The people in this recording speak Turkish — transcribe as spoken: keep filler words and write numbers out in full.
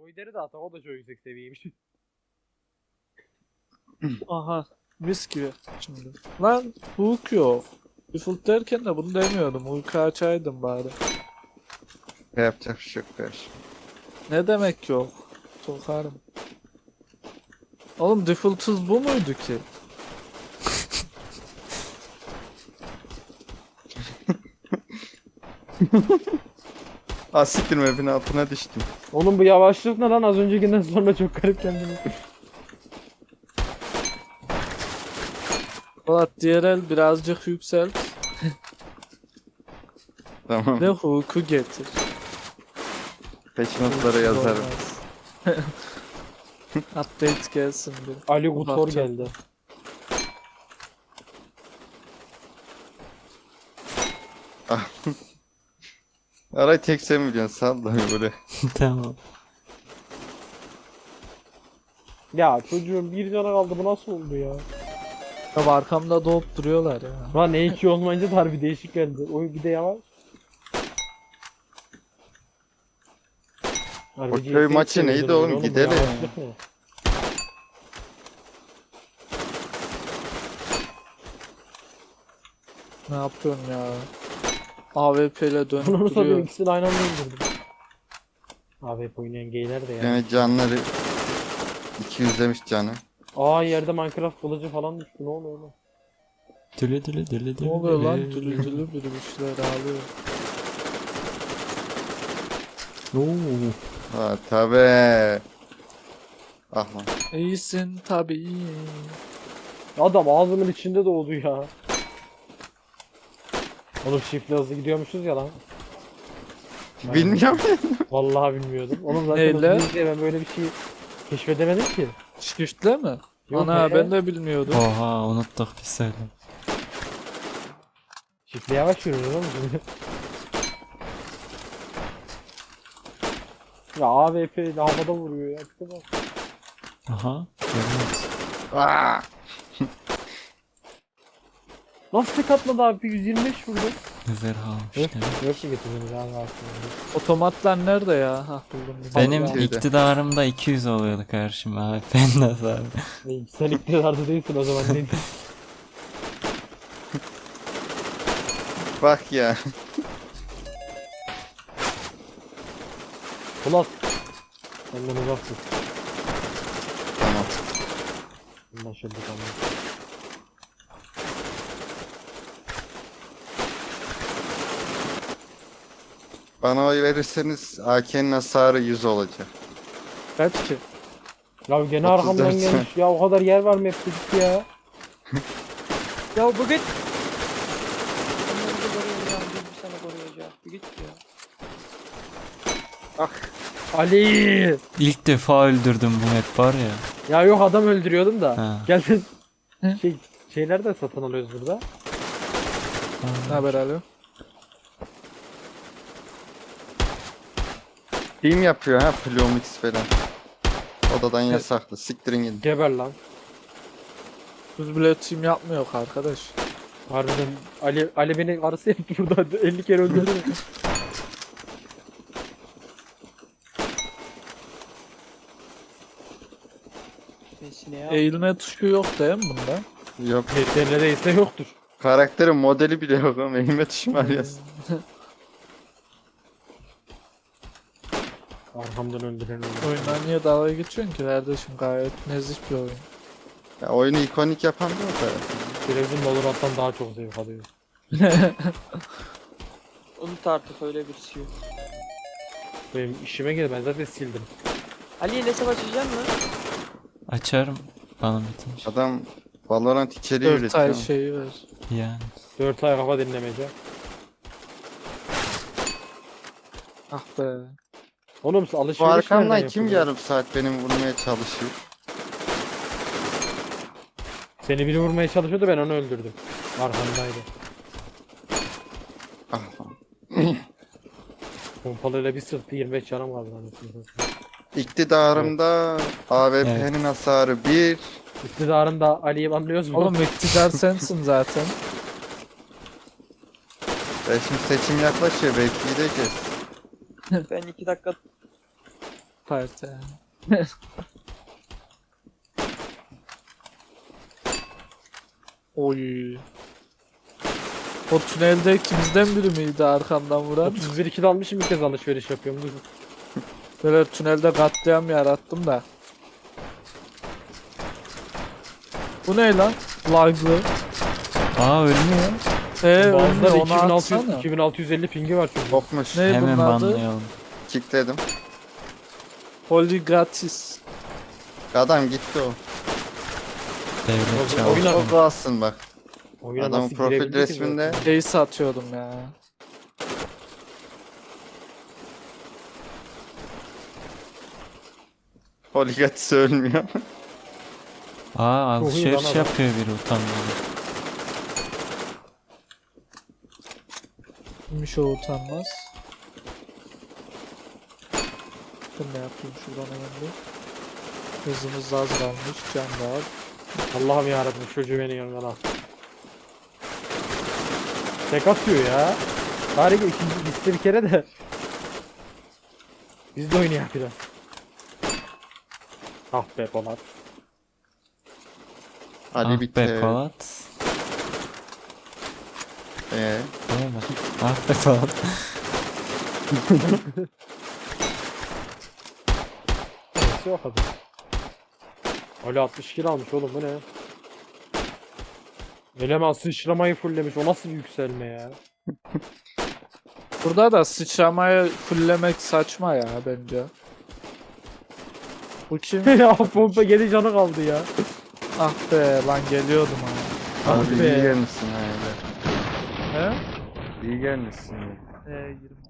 Voider'i de atak, o da çok yüksek seviyeymiş. Aha. Mis gibi. Şimdi. Lan hook yok. Default derken de bunu demiyordum. Hook'u açaydım bari. Yapacak bir şey yok kardeşim. Ne demek yok? Sokarım. Oğlum default'uz bu muydu ki? Asiktir map'in altına düştüm. Oğlum bu yavaşlık ne lan, az öncekinden sonra çok garip kendini. Polat diğer el birazcık yükselt. Tamam. Ve hook'u getir. Peş notlara yazarım. Olmaz. Update gelsin bir. Ali Gutor Bakacağım. geldi. Aray tek sen biliyorsun, salla böyle. Tamam. Ya çocuğum bir cana kaldı, bu nasıl oldu ya? Ya arkamda doğup duruyorlar ya. Lan E iki olmayınca da harbi değişik geldi. Oyun bir de yavaş. Harbi O C S köy maçı seviyordun neydi oyun oğlum? bu Gidelim. yavaşlık ne? Ne yapıyorsun ya? A W P ile dönüp Bunu satayım, duruyor. ikisini aynı anda öldürdüm. Abi hep oynayan geyler de ya. Yani canları iki yüz demiş canı. Aa, yerde Minecraft kılıcı falan düştü, ne oluyor lan? Dülü dülü dülü Ne dülü. oluyor lan? Dülü dülü biri bir şeyler ağlıyor. Oo. Ha tabi. Ah lan. İyisin tabii. Adam ağzımın içinde doğdu ya. Oğlum shift'le hızlı gidiyormuşuz ya lan. Bilmiyorum. Vallahi bilmiyordum. Oğlum zaten Neyle? hızlı gidince ben böyle bir şey keşfedemedim ki. Shift'le mi? Yok Ana be. ben de bilmiyordum. Oha unuttuk bir söyle. Shift'le yavaş yürüyor oğlum şimdi. Ya A W P ile havada vuruyor ya. Tipe bak. Aha. Görüyoruz. Aa! Nasıl tek atmadı abi? yüz yirmi beş vurdu. Güzel almış demek. Yok ki getirdiniz abi aslında. Otomatlar nerede ya? Hah buldum. Benim Allah. Şeyde. iktidarımda iki yüz oluyordu karşıma abi. Ben de abi. Ne, sen iktidarda değilsin o zaman. Ne? Bak ya. Ulan. Senden uzaksın. Tamam. Anlaşıldı tamam. Bana oy verirseniz A K'nin hasarı yüz olacak. Kaç ki? Ya gene otuz arkamdan dört gelmiş. Ya o kadar yer var mı hep dedik ya. Ya bu git. Ben önce koruyacağım, bir seni koruyacağım. Bir git ya. Ali. İlk defa öldürdüm bu map var ya. Ya yok, adam öldürüyordum da. Ha. Geldin. Şey, şeyler de satın alıyoruz burada. Ne haber Ali? Team yapıyor ha, Plumix falan. Odadan yasaklı. Siktirin gidin. Geber lan. Biz bile team yapmıyor arkadaş. Harbiden Ali Ali beni arası yaptı burada. elli kere öldürdü. Sesine ya. Eğilme tuşu yok değil mi bunda? Yok. Neredeyse yoktur. Karakterin modeli bile yok ama elime tuşum arıyorsun. Arkamdan öldüren öldü. Oyundan niye dalga geçiyorsun ki kardeşim? Gayet nezih bir oyun. Ya oyunu ikonik yapan da o zaten. Televizyon Valorant'tan daha çok zevk alıyor. Unut artık, öyle birisi yok. Benim işime gelir, ben zaten sildim. Ali ile hesap açacak mı? Açarım. Bana bitince. Adam Valorant içeriği Dört ay üretiyor. şeyi ver. Yani. dört ay kafa dinlemece. Ah be. Oğlum Bu alışveriş arkamdan nereden kim yapılıyor? yarım saat benim vurmaya çalışıyor? Seni biri vurmaya çalışıyordu, ben onu öldürdüm. Arkamdaydı. Ah lan. Pompalıyla bir sıktı, yirmi beş canım kaldı lan. İktidarımda A W P'nin hasarı bir. İktidarında Ali'yi anlıyoruz mu? Oğlum iktidar sensin zaten. Ya şimdi seçim yaklaşıyor, belki gideceğiz. Ben iki dakika parti yani. Oy. O tünelde ikimizden biri miydi arkamdan vuran? otuz bir ikide almışım, ilk kez alışveriş yapıyorum. Dur. Böyle tünelde katliam yarattım da. Bu ne lan? Laglı. Aa ölmüyor. Eee Bazıları onu iki bin altı yüz, atsana. iki bin altı yüz elli pingi var çünkü. Kopmuş. Ne Hemen bunun adı? banlayalım. Kickledim. Holy gratis. Adam gitti o. Devlet O- çaldı. oyuna- O kalsın bak. Oyuna Adamın nasıl profil girebildi ki resminde zaten? Ace atıyordum ya. Holigatis ölmüyor. Aa Çok iyi alışveriş lan adam. yapıyor biri utanmadan. Kimmiş o utanmaz. Ben ne yapayım şuradan hemen bir. Hızımız az kalmış. Can da al. Allah'ım yarabbim, çocuğu beni yanımdan al. Tek atıyor ya. Bari ki ikinci liste bir kere de. Biz de oynayak biraz. Ah be Polat. Ali Ah bitti. be Polat. Ee, Değil mi? Ah be Polat. Neyse o kadar. Ali altmış kill almış oğlum, bu ne? Eleman sıçramayı fulllemiş, o nasıl bir yükselme ya? Burada da sıçramayı fullemek saçma ya bence. Bu kim? ya pompa yedi canı kaldı ya. Ah be lan geliyordum ama. abi be. iyi gelmişsin ha öyle. He? İyi gelmişsin. Ee, yirmi